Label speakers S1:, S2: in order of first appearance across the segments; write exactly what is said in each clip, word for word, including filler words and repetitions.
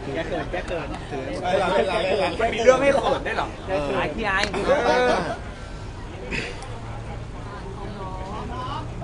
S1: แกเกิดแกเกิดถือ
S2: มันมีเรื่องให้เขินได้หรอไอ้ที่ไอ้
S1: ไป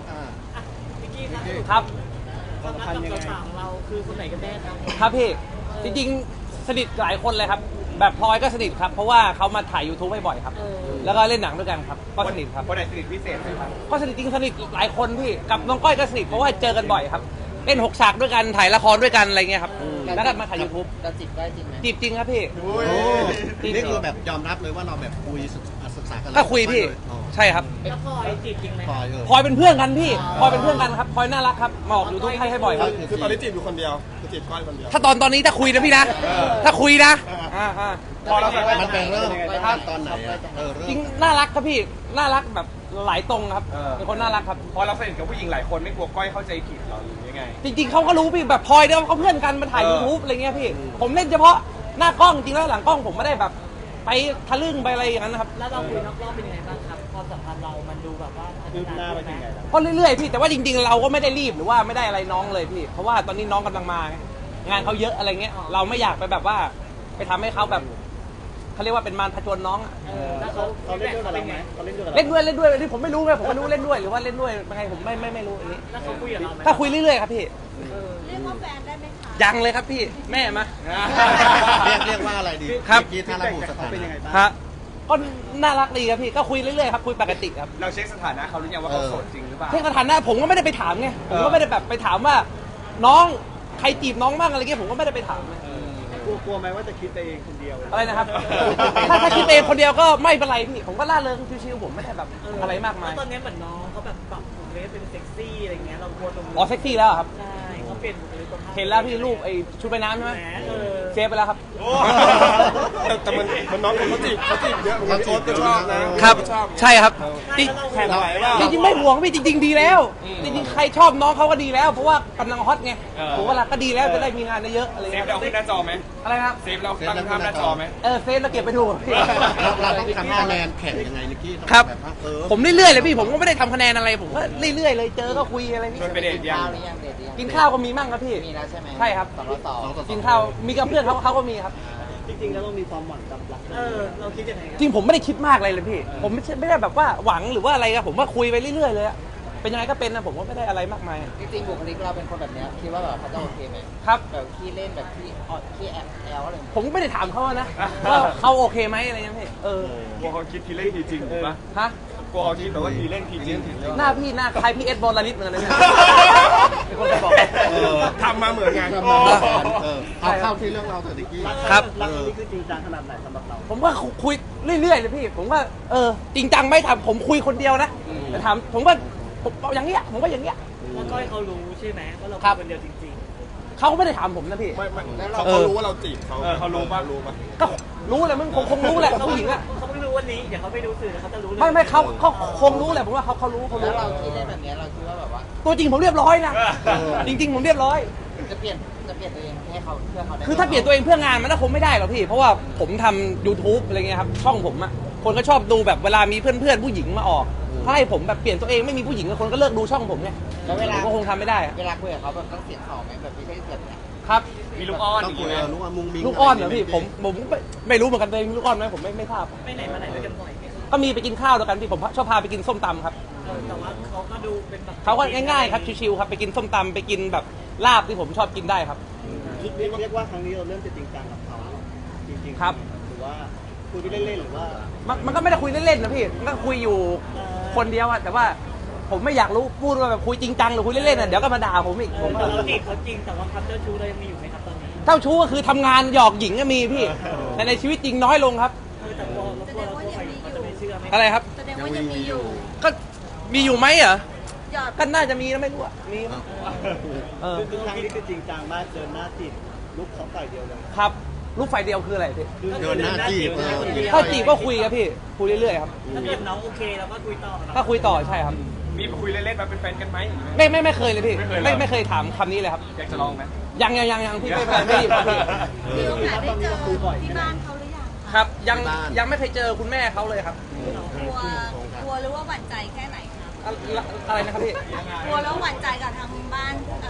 S1: นะครับ
S2: ครับ
S1: ความสัมพันธ์ยังไงของเราคือคนไหนกันแน่ครับ
S2: ครับพี่จริงๆสนิทหลายคนเลยครับแบบพลอยก็สนิทครับเพราะว่าเขามาถ่าย YouTube ให้บ่อยครับแล้วก็เล่นหนังด้วยกันครับก็สนิทครับ
S3: คนไหนสนิทพิเศษไหมครับ
S2: ก็สนิทจริงสนิทหลายคนพี่กับน้องก้อยก็สนิทเพราะว่าเจอกันบ่อยครับเล่นหกฉากด้วยกันถ่ายละครด้วยกันอะไรเงี้ยครับแล้วก็มาถ่าย YouTube
S4: เราจีบได้จริงไหม
S2: จีบจริงครับพี่
S5: นี่คือแบบยอมรับเลยว่าเราแบบคุยศึกษากัน
S2: ก็คุยพี่ใช่ครับ
S1: แล้วพลอยจีบจริงไหม
S2: พลอยเป็นเพื่อนกันพี่พลอยเป็นเพื่อนกันครับพลอยน่ารักครับมาออก YouTube ให้ให้บ่อยครับ
S3: คือตอนนี้จีบอยู่คนเดียวคือจีบก้อยคนเดียว
S2: ถ้าตอนตอนนี้ถ้าคุยนะพี่นะถ้าคุยนะ
S5: พอเรามันเป็นเริ่มตอนไหนอ่ะ
S2: จริงน่ารักครับพี่น่ารักแบบหลายตรงครับเป็นคนน่ารักครับ
S3: พอเราสนิทกับผู้หญิงหลายคนไม่กลัวก้อยเข้าใจผิดหรอหรือยังไง
S2: จริงๆเขาก็รู้พี่แบบพลอยเดิมเขาเพื่อนกันมาถ่าย YouTube อะไรเงี้ยพี่ผมเล่นเฉพาะหน้ากล้องจริงแล้วหลังกล้องผมไม่ได้แบบไปทะลึ่งไปอะไรอย่างนั้นนะครับ
S1: แล้วเราคุยนอกรอบเป็นยังไงบ้างครับความสัมพันธ์เรามันดูแบบว่าคืบหน้าไปยังไง
S2: ก็เรื่อยๆพี่แต่ว่าจริงๆเราก็ไม่ได้รีบหรือว่าไม่ได้อะไรน้องเลยพี่เพราะว่าตอนนี้น้องกำลังมางานเขาเยอะอะไรเงี้ยเราไม่อยากไปแบบว่าไปทำให้เขาแบบเขาเรียกว่าเป็นมารผจญน้องอ่ะ
S1: แล้วเขาเขาเล่นด้วยกับเราไหมเขาเล่นด้วย
S2: เล่นด้วยเล่นด้วยที่ผมไม่รู้ไงผมไม่รู้เล่นด้วยหรือว่าเล่นด้วยยังไงผมไม่ไม่ไม่รู้อันนี้
S1: แล้วเขาคุยกับเราไหม
S2: ถ้าคุยเรื่อยๆครับพี่
S6: เรียกว่าแฟนได้ไหมคะ
S2: ยังเลยครับพี่แม่มา
S5: เรียกเรียกว่าอะไรดี
S2: ครับ
S5: ที่ถ้าระบุสถานะ
S2: ฮะก็น่ารักดีครับพี่ก็คุยเรื่อยๆครับคุยปกติครับ
S3: เราเช็คสถานะเขาหรือยังว่าเขาโสดจริงหรือเปล่า
S2: เช็คสถานะผมก็ไม่ได้ไปถามไงผมก็ไม่ได้แบบไปถามว่าน้องใครจีบน้องบ้างอะไรเงี้ยผมก็ไม่ได้ไปถาม
S1: กลัวกลัวไหมว่าจะคิดไปเองคนเดียว
S2: อะไรนะครับถ้าถ้าคิดเองคนเดียวก็ไม่เป็นไรพี่ผมก็ล่าเริงชิวๆผมไม่ได้แบบอะไรมากมาย
S1: ตอนนี้เหมือนน้องเขาแบบปรับหุ่นเล็บเป็นเซ็กซี่อะไรเงี้ยเรากลัวตรงนี้
S2: อ๋อเซ็กซี่แล้วครับ
S1: ใช่เขาเปลี่ยน
S2: เห็นแล้วพี่รูปไอ้ชุดว่ายน้ำใช่ไหมเซฟไปแล้วครับ
S3: แต่มันมันน้องเขาจีบเขาจีบเยอะเขาชอบก็ชอบ
S2: นะครับใช่ครับจริงจริงไม่ห่วงพี่จริงๆดีแล้วจริงๆใครชอบน้องเขาก็ดีแล้วเพราะว่ากำลังฮอตไงผมว่าก็ดีแล้วจะได้มีงานเยอะอะไร
S3: เซฟเราขึ้นหน้าจอไหม
S2: อะไรครับ
S3: เซฟเราตั้งภาพหน้าจอไหม
S2: เออเซฟเราเก็บไปดู
S5: เราต้องทำคะแนนแข่งยังไงนิกกี้
S2: ครับผมเรื่อยๆเลยพี่ผมก็ไม่ได้ทำคะแนนอะไรผมก็เรื่อยๆเลยเจอก็คุยอะไรนี่
S3: ชวนไปเดทยัง
S2: กินข้าวก็มีมั่งครับพี่
S4: มีแล้วใช่ไหม
S2: ใช่ครับ
S4: สองต่อสอง
S2: กินข้าวมีกับเพื่อนเขาเขาก็มีครับ
S1: จริงๆแล้วเรามีความหวังกับรักเออเราคิดยังไง
S2: จริงผมไม่ได้คิดมากอะไรเลยพี่ผมไม่ไม่ได้แบบว่าหวังหรือว่าอะไรครับผมว่าคุยไปเรื่อยๆเลยเป็นยังไงก็เป็นนะผมก็ไม่ได้อะไรมากมาย
S4: จริงๆบุคลิกเราเป็นคนแบบนี้คิดว่าแบบเขาจะโอเคไหม
S2: ครับ
S4: แบบขี้เล่นแบบขี้ออดขี้แอบแอลอะไร
S2: ผมไม่ได้ถามเขานะว่าเขาโอเคไหมอะไรเงี้ยพี่เออก
S3: ลัวเขาคิดทีเล่นทีจริงถูกปะ
S2: ฮะ
S3: กลัวเขาคิดแต่ว่าทีเล่นทีจริง
S2: หน้าพี่หน้าคล้ายพี่เอสบอลลานิดเหมือนกันเลยเป็นคนบอก
S3: ทำมาเหมือนกัน
S5: เอาเข้าที่เรื่องเราเถอะนิกกี้
S2: ครับ
S1: รักนี่คือจริงจังขนาดไหนสำหรับเรา
S2: ผมว่าคุยเรื่อยๆเลยพี่ผมว่าเออจริงจังไม่ทำผมคุยคนเดียวนะแต่ถามผมว่าผมอย่างเงี้ยผมว่าอย่างเงี้ย
S1: แล้วก็ให้เขารู้ใช่ไหมว่าเราคนเดียวจริง
S2: ๆเขาไม่ได้ถามผมนะพี่
S3: เขาเขารู้ว่าเราจีบเขาเขารู้ป่ะรู้ป่ะ
S2: ก็รู้แหละมึงคงคงรู้แหละผู้หญิงอะ
S1: เขาไม่รู้วันนี้เดี๋ยวเขาไปดูสื่อเขาจะรู้
S2: ไม่ไม่เขาเขาคงรู้แหละผมว่าเขาเขารู้เขารู้
S4: แล้วเราคิดได้แบบนี้เราคิดว่าแบบว่า
S2: ตัวจริงผมเรียบร้อยนะจริงๆผมเรียบร้อย
S4: จะเปลี่ยนจะเปลี่ยนตัวเองให้เขาเพื่อเขาได้
S2: คือถ้าเปลี่ยนตัวเองเพื่องานมันก็คงไม่ได้หรอกพี่เพราะว่าผมทำ YouTube อะไรเงี้ยครับช่องผมอะคนก็ชอบดูแบบเวลามีเพื่อนๆผู้หญิงมาออกถ้าให้ผมแบบเปลี่ยนตัวเองไม่มีผู้หญิงคนก็เลิกดูช่องผมไง
S4: แล้วเวลา
S2: ก็คงทำไม่ได้
S4: เวลาคุยกับเขาแบบต้องเสียงสองไหมแบบไม่ใช่แบบนี้
S2: ครับ
S3: มีลูกอ้อน
S5: ต้องคุยลูกอ้อนมุ้งมิ้ง
S2: ลูกอ้อนเหรอพี่ผมผมไม่รู้เหมือนกันเลยลูกอ้อนไหมผมไม่ไม่ทราบ
S1: ไปไหนมาไหนด้วยกันบ่อย
S2: ก็มีไปกินข้าวด้วยกันพี่ผมชอบพาไปกินส้มตำครับ
S1: แต่ว่าเขาก็ดูเป็นแบบ
S2: เขาก็ง่ายๆครับชิวๆครับไปกินส้มตำไปกินแบบลาบที่ผมชอบกินได้ครับ
S1: เรียกว่าครั้งนี้เราเริ่มจะจริงจังกับเขาจริงๆ
S2: ครับ
S1: หรือว่าคุยเล่นๆหรือว่า
S2: มันมันก็ไม่ได้คุยเล่นๆนะพี่มันก็คุยอยู่คนเดียวอะแต่ว่าผมไม่อยากรู้พูดว่าแบบคุยจริงจังหรือคุยเล่นๆน่ะเดี๋ยวก็มาด่าผมอีกผม
S1: เราจีบเขาจริงแต่ว่าความเจ้าชู้เรายังมีอยู่ไหมครับตอนนี้
S2: เจ้าชู้ก็คือทำงานหยอกหญิงก็มีพี่แต่ในชีวิตจริงน้อยลงครับ
S1: แต่ตัวเราตัวเราจะไม่เชื่อไหม
S2: อะไรครับ
S6: แสดงว่ายังมีอยู่
S2: ก็มีอยู่ไหมเหรอก็น่าจะมีนะไม่รู้อะมี
S1: คือครั้งนี้คือจริงจังมากเดินหน้าจีบลุกเขาฝ่ายเดียวเลย
S2: ครับลูกไฟเดียวคืออะไรพี่
S5: เดินหน้าจีบ
S2: ถ้าจีบก็คุยครับพี่คุยเรื่อยๆครับ
S1: ถ้าเกิดน้องโอเคเราก็คุยต่อ
S2: ก็คุยต่อใช่ครับ
S3: มีคุยเล่นๆมาเป็นแฟนกันไหม
S2: ไม่ไม่ไม่เคยเลยพี่ไม่ไม่เคยถามคำนี้เลยครับ
S3: อยากจะลองไหม
S2: ยังยังยังยังพี่ไม่ไม่หยิบครับพี่
S6: มีโอกาสได้เจอที่บ้านเขาหรือยัง
S2: ครับยังยังไม่เคยเจอคุณแม่เขาเลยครับ
S6: กลัวกลัวหรือว่าหวั่นใจแค่ไหนครับ
S2: อะไรนะครับพี่
S6: กลัวแล้วหวั่นใจกับทางบ้าน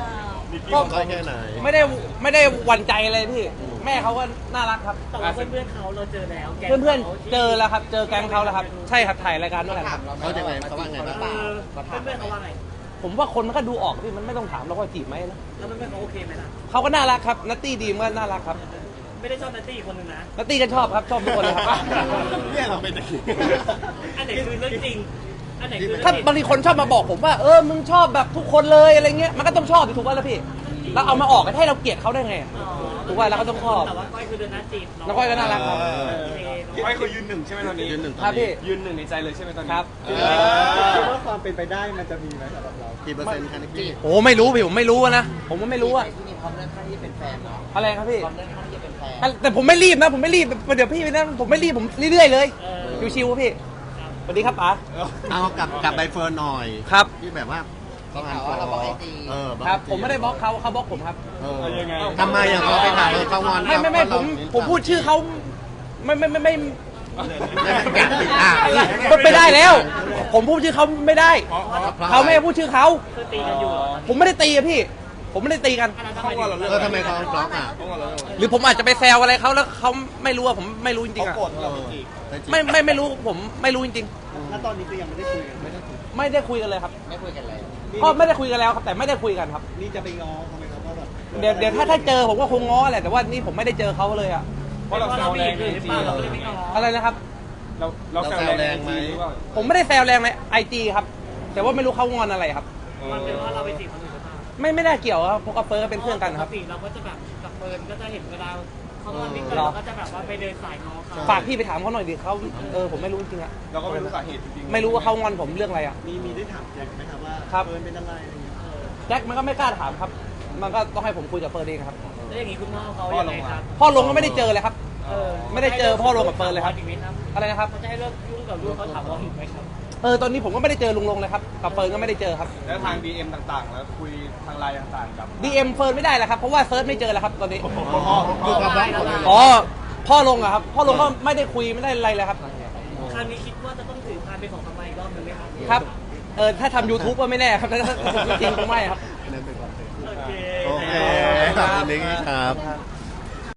S2: ก็
S5: ก็แค่ไหน
S2: ไม่ได้ไม่ได้หวั่นใจเลยพี่ แม่เขาก็น่ารักครับ
S7: แต่ว่าเพื่อนๆเขาเราเจอแล้วแก๊ง
S2: เพื่อน
S7: ขา
S2: ๆเจอแล้วครับ เจอแก๊งเขาแล้วครับ ใช่ครับถ่ายรายการด้วยกันครับ
S5: เขาจะไงเขาว่าไงบ้าง
S7: เออเพื่อนๆเขาว่าไง
S2: ผมว่าคนมันก็ดูออกพี่มันไม่ต้องถามเราว่าจีบไหมนะ
S7: แล้วเพื่อนๆเขาโอเคไหมล่ะ
S2: เขาก็น่ารักครับนัตตี้ดีมก็น่ารักครับ
S7: ไม่ได้ชอบนัตตี้อีกคนนึงนะ
S2: นัตตี้ก็ชอบครับชอบทุกคนเลยครับ
S5: เนี่ยเราเป็นตะกี้
S7: อันไหนคือเรื่องจริง อันไหนคือเรื่อง
S2: ถ้า
S7: จริง
S2: บางทีคนชอบมาบอกผมว่าเออมึงชอบแบบทุกคนเลยอะไรเงี้ยมันก็ต้องชอบดิถูกป่ะล่ะพี่แล้วเอามาออกกันให้เราเกลียดเขาได้ไง
S7: อ๋อ
S2: ถูกป่ะเราก็ต้องชอบ
S7: แต่ว่าก้อยคือเดินหน้าจีบ
S2: น้องก้อยก็น่ารักครับ
S7: โอเค
S3: ก้อยคือยืนหนึ่งใช่ไหมตอนนี้
S5: ยืนหนึ่งต
S2: ครั
S5: อบ น
S2: พี่
S5: นี้
S3: ยืนหนึ่งในใจเลยใช่ไหมตอนนี้
S2: ครับ
S5: เอ
S1: คิด
S5: อ
S1: ว่าความเป็นไปได้มันจะมีไหมสำหรับเรา
S5: กี่เปอร์เซ็นต์คะนิกกี้
S2: โอ้ไม่รู้พี่ผมไม่รู้อะนะผมก็ไม่รู้อะ
S4: ที่นี่พร้อมเรื่องข้างที่จะเป็นแฟนเนาะ
S2: อะไรครับพี่
S4: พร้อมเรื่องข้างที่จะเป็นแฟน
S2: แต่ผมไม่รีบนะผมไม่รีบเดี๋ยวพี่ไปนั่นผมไม่รีบผมเรื่อยๆเลย
S7: เออ
S2: ชิวๆพี่สวัสดีครับป๋า
S5: เอากับกับใบเฟิร์นหน่อย
S2: ครับ
S5: ที่แบบว่าเขาอ่าน
S4: เขาว่าเราบอกไอจี
S5: เออ
S2: ครับผมไม่ได้บล็อกเขาเขาบล็อกผมครับ
S5: เออ
S3: เอายังไง
S5: ทำไมอ่ะเขาไปถามเออเขางอน
S2: ไม่ไม่ไม่ผมผมพูดชื่อเขาไม่ไม่ไม่ไม่
S5: ไม่ไม่แกะปิดอ่ะ
S2: มันไม่ได้แล้ว ผมพูดชื่อเขาไม่ได้ เขาไม่ให้พูดชื่อเขา
S7: คือตีกันอยู่เหรอ
S2: ผมไม่ได้ตีอะพี่ ผมไม่ได้ตีกัน
S7: อันนั้นทำไมถึง
S5: เออทำไมเขาบล็อกอ่ะ
S2: หรือผมอาจจะไปแซวอะไรเขาแล้วเขาไม่รู้อะผมไม่รู้จริงๆอะ
S5: เออ
S2: ไม่ไม่ไม่รู้ผมไม่รู้จริง
S1: ณตอนนี้คือยังไม่ได้คุยกันไม่ได้คุย
S2: ๆ ไม่ได้คุยกันเลยครับ
S4: ไม่คุยกันเลย
S2: ก็ไม่ได้คุยกันแล้วครับแต่ไม่ได้คุยกันครับ
S1: นี่จะไปง้อเขาไหมครับว่าแบบ
S2: เดี๋ยวเดี๋ยวถ้าถ้าเจอผมก็คงง้อแหละแต่ว่านี่ผมไม่ได้เจอเขาเลยอะ
S3: เพราะเราแซวแรงใน
S7: หรือ
S3: จี
S7: เปล่าเราก็เลยไม่ง้อ
S2: อะไรนะครับ
S3: เราเราแซวแรงในจีหรือเปล่า
S2: ผมไม่ได้แซวแรงในไอจีครับ แต่ว่าไม่รู้เขางอนอะไรครับ
S7: มันเป็นเพราะเราไปจีบคนอื่นหรือเปล่า
S2: ไม่ไม่ได้เกี่ยวครับเพราะกับเฟิร์สก็เป็นเพื่อนกันครับ
S7: ปกติเราก็จะแบบกับเฟิร์นก็จะเห็นเวลาเขางอนนิดนึงเราก็จะแบบว่าไปเดินสายง้อเขา
S2: ฝากพี่ไปถามเขาหน่อยดิเขาเออผมไม่รู้จริงๆอะ
S3: เราก็ไม่รู้สาเหตุจริงๆ
S2: ไม่รู้ว่าเขางอนผมเรื่องอะไรอะ
S1: มีมีได้ถามแจ็คไหมครับว่า
S2: ครับ
S1: เฟิร์นเป็นอะไรอะไรเงี้ย
S2: แจ็คมันก็ไม่กล้าถามครับ มันก็ต้องให้ผมคุยกับเฟิร์นเองครับ
S7: แล้วอย่างนี้คุณพ่อเขายังไงครับ
S2: พ่อลงก็ไม่ได้เจอเลยครับ
S7: เออ
S2: ไม่ได้เจอพ่อลงกับเฟิร์นเลยครับ
S7: อีกไหมครับ
S2: อะไรนะครับ
S7: เขาจะให้เลิกยุ่งกับลูกเขาถามว่าอีกไหมครับ
S2: เออตอนนี้ผมก็ไม่ได้เจอลุงลงเลยครับกับเฟิร์นก็ไม่ได้เจอครับ
S3: แล้วทาง ดี เอ็ม ต่างๆ แล้วคุยทางไลน์ต่างๆกับ
S2: ดี เอ็ม เฟิร์นไม่ได้แล้วครับเพราะว่าเซิร์ชไม่เจอแล้วครับตอนนี้
S5: อยู่กับบล็อกหมดเลย
S2: อ๋อพ่อลงอะครับพ่อลงก็ไม่ได้คุยไม่ได้อะไรเลยครับ
S7: คราวนี้คิดว่าจะต้องถือพานเป็นของทำไมอีกรอบหนึ่งไหมครับ
S2: ครับเออถ้าทำ YouTube ก็ไม่แน่ครับแต่ถ้าจริงๆคงไม่ครับ
S7: โอเค
S5: โอเคขอบคุณนิกกี้ครับ